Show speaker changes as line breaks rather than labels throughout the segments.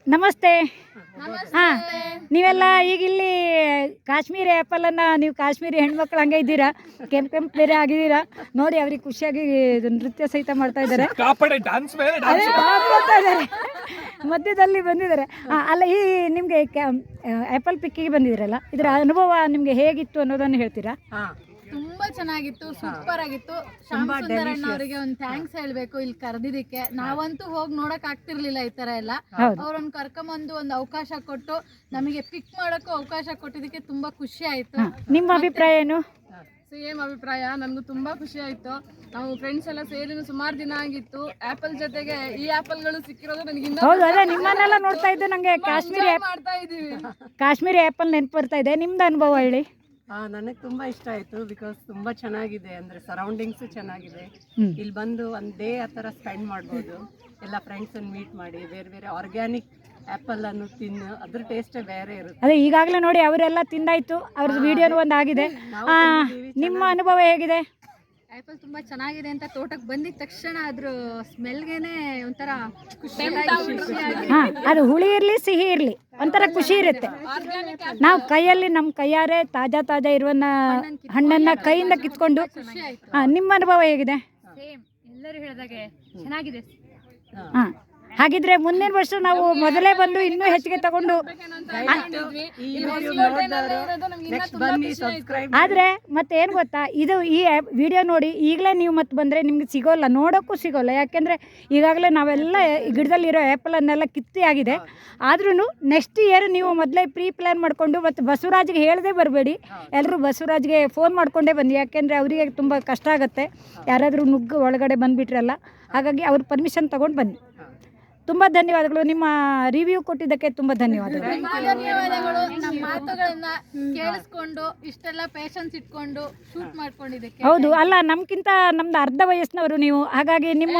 ನಮಸ್ತೆ. ಹಾಂ, ನೀವೆಲ್ಲ ಈಗ ಇಲ್ಲಿ ಕಾಶ್ಮೀರಿ ಆ್ಯಪಲನ್ನು ನೀವು ಕಾಶ್ಮೀರಿ ಹೆಣ್ಮಕ್ಳು ಹಂಗೆ ಇದ್ದೀರಾ, ಕೆಂಪು ಬೇರೆ ಆಗಿದ್ದೀರಾ ನೋಡಿ. ಅವ್ರಿಗೆ ಖುಷಿಯಾಗಿ ನೃತ್ಯ ಸಹಿತ ಮಾಡ್ತಾ ಇದ್ದಾರೆ, ಮಧ್ಯದಲ್ಲಿ ಬಂದಿದ್ದಾರೆ. ಅಲ್ಲ, ಈ ನಿಮಗೆ ಆ್ಯಪಲ್ ಪಿಕ್ಕಿಗೆ ಬಂದಿದ್ದೀರಲ್ಲ, ಇದರ ಅನುಭವ ನಿಮಗೆ ಹೇಗಿತ್ತು ಅನ್ನೋದನ್ನು ಹೇಳ್ತೀರಾ?
ತುಂಬಾ ಚೆನ್ನಾಗಿತ್ತು, ಸೂಪರ್ ಆಗಿತ್ತು. ಶ್ಯಾಮ್ ಸುಂದರಣ್ಣ ಅವರಿಗೆ ಒಂದು ಥ್ಯಾಂಕ್ಸ್ ಹೇಳ್ಬೇಕು ಇಲ್ಲಿ ಕರೆದಿದ್ದಕ್ಕೆ. ನಾವಂತೂ ಹೋಗಿ ನೋಡಕ್ ಆಗ್ತಿರ್ಲಿಲ್ಲ ಈ ತರ ಎಲ್ಲ. ಅವ್ರನ್ನ ಕರ್ಕೊಂಬಂದು ಒಂದು ಅವಕಾಶ ಕೊಟ್ಟು ನಮಗೆ ಪಿಕ್ ಮಾಡೋಕ್ಕೂ ಅವಕಾಶ ಕೊಟ್ಟಿದ್ದಕ್ಕೆ ತುಂಬಾ ಖುಷಿ ಆಯ್ತು.
ನಿಮ್ಮ ಅಭಿಪ್ರಾಯ ಏನು?
ಸೇಮ್ ಅಭಿಪ್ರಾಯ, ನನಗೂ ತುಂಬಾ ಖುಷಿ ಆಯ್ತು. ನಾವು ಫ್ರೆಂಡ್ಸ್ ಎಲ್ಲ ಸೇರಿ ಸುಮಾರು ದಿನ ಆಗಿತ್ತು. ಆಪಲ್ ಜೊತೆಗೆ ಈ ಆಪಲ್ಗಳು ಸಿಕ್ಕಿರೋದು ನನಗೆ
ಹೌದು. ಅದೇ ನಿಮ್ಮನ್ನೆಲ್ಲ ನೋಡ್ತಾ ಇದ್ದು ನಂಗೆ
ಮಾಡ್ತಾ ಇದೀವಿ.
ಕಾಶ್ಮೀರಿ ಆ್ಯಪಲ್ ನೆನಪು ಬರ್ತಾ ಇದೆ. ನಿಮ್ದು ಅನುಭವ ಹೇಳಿ.
ನನಗೆ ತುಂಬ ಇಷ್ಟ ಆಯಿತು. ಬಿಕಾಸ್ ತುಂಬ ಚೆನ್ನಾಗಿದೆ, ಅಂದರೆ ಸರೌಂಡಿಂಗ್ಸು ಚೆನ್ನಾಗಿದೆ. ಇಲ್ಲಿ ಬಂದು ಒಂದು ಡೇ ಆ ಥರ ಸ್ಪೆಂಡ್ ಮಾಡ್ಬೋದು. ಎಲ್ಲ ಫ್ರೆಂಡ್ಸನ್ನು ಮೀಟ್ ಮಾಡಿ ಬೇರೆ ಬೇರೆ ಆರ್ಗ್ಯಾನಿಕ್ ಆ್ಯಪಲನ್ನು ತಿನ್ನು, ಅದ್ರ ಟೇಸ್ಟೇ ಬೇರೆ ಇರುತ್ತೆ.
ಅದೇ ಈಗಾಗಲೇ ನೋಡಿ ಅವರೆಲ್ಲ ತಿಂದಾಯ್ತು, ಅವ್ರದ್ದು ವಿಡಿಯೋನು ಒಂದು ಆಗಿದೆ. ನಿಮ್ಮ ಅನುಭವ ಹೇಗಿದೆ?
ಆ್ಯಪಲ್ ತುಂಬಾ ಚೆನ್ನಾಗಿದೆ ಅಂತ ತೋಟಕ್ಕೆ ಬಂದಿದ ತಕ್ಷಣ ಅದ್ರ ಸ್ಮೆಲ್ಗೆನೆ ಒಂಥರ ಖುಷಿ.
ಅದು ಹುಳಿ ಇರಲಿ ಸಿಹಿ ಇರಲಿ ಒಂಥರ ಖುಷಿ ಇರುತ್ತೆ. ನಾವು ಕೈಯಲ್ಲಿ ನಮ್ಮ ಕೈಯಾರೆ ತಾಜಾ ಇರುವನ್ನ ಹಣ್ಣನ್ನು ಕೈಯಿಂದ ಕಿತ್ಕೊಂಡು. ನಿಮ್ಮ ಅನುಭವ ಹೇಗಿದೆ?
ಎಲ್ಲರೂ ಹೇಳಿದಾಗೆ ಚೆನ್ನಾಗಿದೆ.
ಹಾಂ, ಹಾಗಿದ್ರೆ ಮುಂದಿನ ವರ್ಷ ನಾವು ಮೊದಲೇ ಬಂದು ಇನ್ನೂ ಹೆಚ್ಚಿಗೆ ತಗೊಂಡು. ಆದರೆ ಮತ್ತೆ ಏನು ಗೊತ್ತಾ, ಇದು ಈ ವಿಡಿಯೋ ನೋಡಿ ಈಗಲೇ ನೀವು ಮತ್ತೆ ಬಂದರೆ ನಿಮ್ಗೆ ಸಿಗೋಲ್ಲ, ನೋಡೋಕ್ಕೂ ಸಿಗೋಲ್ಲ. ಯಾಕೆಂದರೆ ಈಗಾಗಲೇ ನಾವೆಲ್ಲ ಗಿಡದಲ್ಲಿರೋ ಆ್ಯಪಲನ್ನೆಲ್ಲ ಕಿತ್ತಿ ಆಗಿದೆ. ಆದ್ರೂ ನೆಕ್ಸ್ಟ್ ಇಯರ್ ನೀವು ಮೊದಲೇ ಪ್ರೀ ಪ್ಲ್ಯಾನ್ ಮಾಡಿಕೊಂಡು ಮತ್ತು ಬಸವರಾಜ್ಗೆ ಹೇಳದೆ ಬರಬೇಡಿ. ಎಲ್ಲರೂ ಬಸವರಾಜ್ಗೆ ಫೋನ್ ಮಾಡಿಕೊಂಡೇ ಬನ್ನಿ, ಯಾಕೆಂದರೆ ಅವರಿಗೆ ತುಂಬ ಕಷ್ಟ ಆಗುತ್ತೆ ಯಾರಾದರೂ ನುಗ್ಗು ಒಳಗಡೆ ಬಂದುಬಿಟ್ರಲ್ಲ. ಹಾಗಾಗಿ ಅವ್ರ ಪರ್ಮಿಷನ್ ತೊಗೊಂಡು ಬನ್ನಿ. ತುಂಬ ಧನ್ಯವಾದಗಳು. ನಿಮ್ಮ ರಿವ್ಯೂ ಕೊಟ್ಟಿದ್ದಕ್ಕೆ ತುಂಬ ಧನ್ಯವಾದಗಳು.
ನಮ್ಮ ಮಾತುಗಳನ್ನ ಕೇಳಿಸ್ಕೊಂಡು ಇಷ್ಟೆಲ್ಲ ಪೇಷನ್ಸ್ ಇಟ್ಕೊಂಡು ಶೂಟ್ ಮಾಡ್ಕೊಂಡಿದ್ದಕ್ಕೆ.
ಹೌದು, ಅಲ್ಲ ನಮ್ಗಿಂತ ನಮ್ದು ಅರ್ಧ ವಯಸ್ಸಿನವರು ನೀವು, ಹಾಗಾಗಿ ನಿಮ್ಮ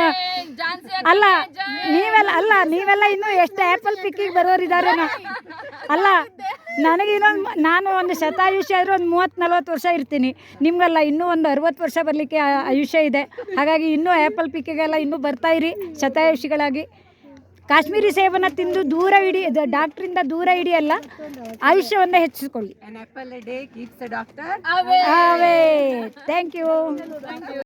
ನೀವೆಲ್ಲ ಇನ್ನೂ ಎಷ್ಟು ಆ್ಯಪಲ್ ಪಿಕ್ಕಿಗೆ ಬರೋರಿದ್ದಾರೆ. ಅಲ್ಲ, ನಾನು ಒಂದು ಶತಾಯುಷ್ಯ ಆದರೂ ಒಂದು 30-40 ವರ್ಷ ಇರ್ತೀನಿ. ನಿಮಗೆಲ್ಲ ಇನ್ನೂ ಒಂದು 60 ವರ್ಷ ಬರಲಿಕ್ಕೆ ಆಯುಷ್ಯ ಇದೆ. ಹಾಗಾಗಿ ಇನ್ನೂ ಆ್ಯಪಲ್ ಪಿಕ್ಕಿಗೆಲ್ಲ ಇನ್ನೂ ಬರ್ತಾಯಿರಿ ಶತಾಯುಷಿಗಳಾಗಿ. ಕಾಶ್ಮೀರಿ ಸೇಬನ್ನು ತಿಂದು ದೂರ ಇಡಿ, ಡಾಕ್ಟ್ರಿಂದ ದೂರ ಇಡಿಯಲ್ಲ, ಆಯುಷ್ಯವನ್ನು ಹೆಚ್ಚಿಸಿಕೊಳ್ಳಿ.
An apple a day keeps the doctor
away. Thank you.